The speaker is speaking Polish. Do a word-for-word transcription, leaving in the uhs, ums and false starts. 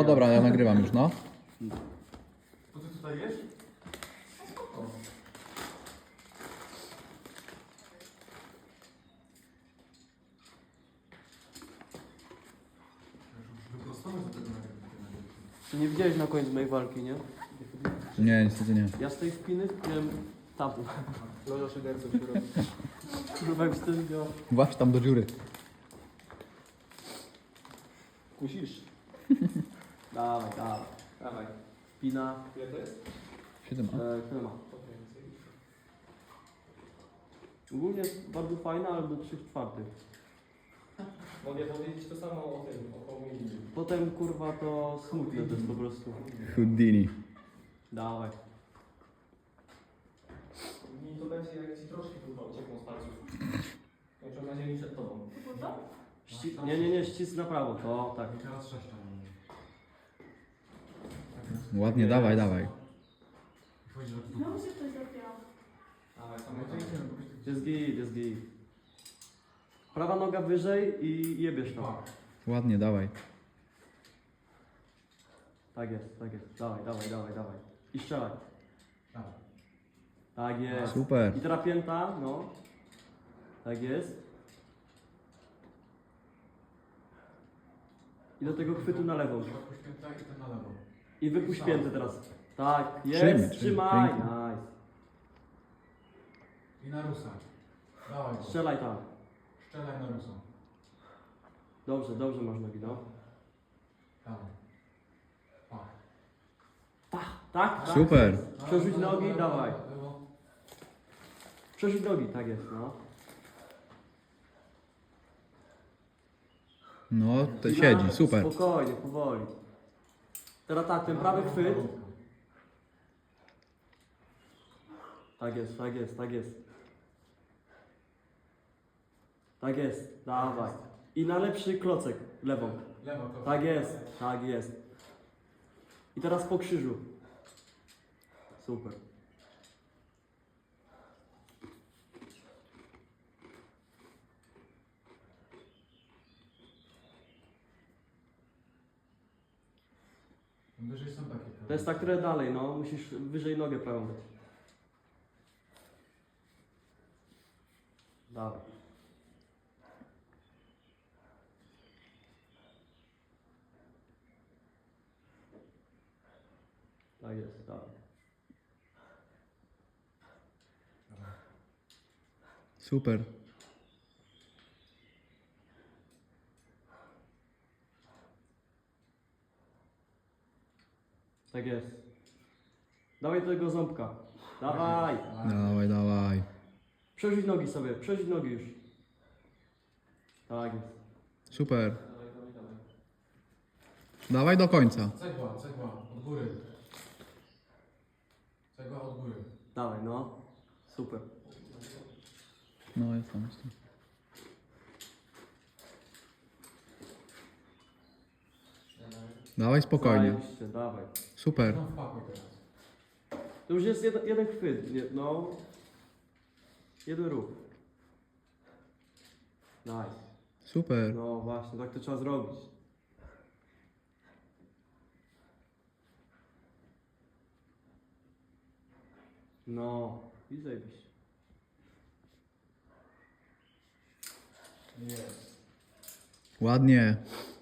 No dobra, ja nagrywam już, no. To ty tutaj jesz? Wyprostować do tego nagrywania. Ty nie widziałeś na końcu mojej walki, nie? Nie, niestety nie. Ja z tej spiny miałem tabu. Loża szyderców się robi. Kurwa już ten widział. Właź tam do dziury. Musisz. Dawaj, dawaj, dawaj. Spina. Ile to jest? siedem a. E, Tyle ma. Ogólnie jest bardzo fajna, ale do trzech czwartych. Mogę powiedzieć to samo o tym, o komunii. Potem kurwa to smutne to jest po prostu. Houdini. Dawaj. Mi to będzie jak ci troszkę kurwa uciekną z palców. Kończą na ziemi przed tobą. Ści nie, nie, nie, ścisk na prawo. To tak. I teraz sześć tam. Ładnie, dawaj, dawaj. Znowu się coś zapięło. Ale tam to Jest git, jest git. Prawa noga wyżej i jebiesz to. Ładnie, dawaj. Tak jest, tak jest. Dawaj, dawaj, dawaj, dawaj. I strzelaj. Tak jest. Super. I teraz pięta, no. Tak jest. I do tego chwytu na lewą. Tak i ten na lewo. I wypuść piętę teraz. Tak, jest. Przyjmij, Trzymaj. przyjmij. Nice. I na rusa. Dawaj go. Strzelaj tam. Strzelaj na rusa. Dobrze, dobrze masz nogi, no. Dawaj. Pa. Tak, tak, tak. Super. Przerzuć nogi, Lewo, dawaj. lewo. Przerzuć nogi, tak jest, no. No, to I siedzi, na- super. Spokojnie, powoli. Teraz tak, ten prawy chwyt. Tak jest, tak jest, tak jest. Tak jest, dawaj. I na lepszy klocek, lewą. Lewo to. Tak jest, tak jest. I teraz po krzyżu. Super. Wyżej są takie. To jest tak trochę dalej, no. Musisz wyżej nogę prawą dać. Dawaj. Tak jest, dawaj. Super. Tak jest. Dawaj do tego ząbka. Dawaj. Dawaj, dawaj. Przerzuć nogi sobie, przerzuć nogi już. Tak jest. Super. Dawaj, dawaj, dawaj. Dawaj do końca. Cegła, cegła, od góry. Cegła od góry. Dawaj, no. Super. No, jest tam, jest tam. Dawaj spokojnie. Zajebiście, dawaj. Super. No wpakuj teraz. To już jest jeden, jeden chwyt, nie, no. Jeden ruch. Nice. Super. No właśnie, tak to trzeba zrobić. No, i zajebiście. Jest. Ładnie.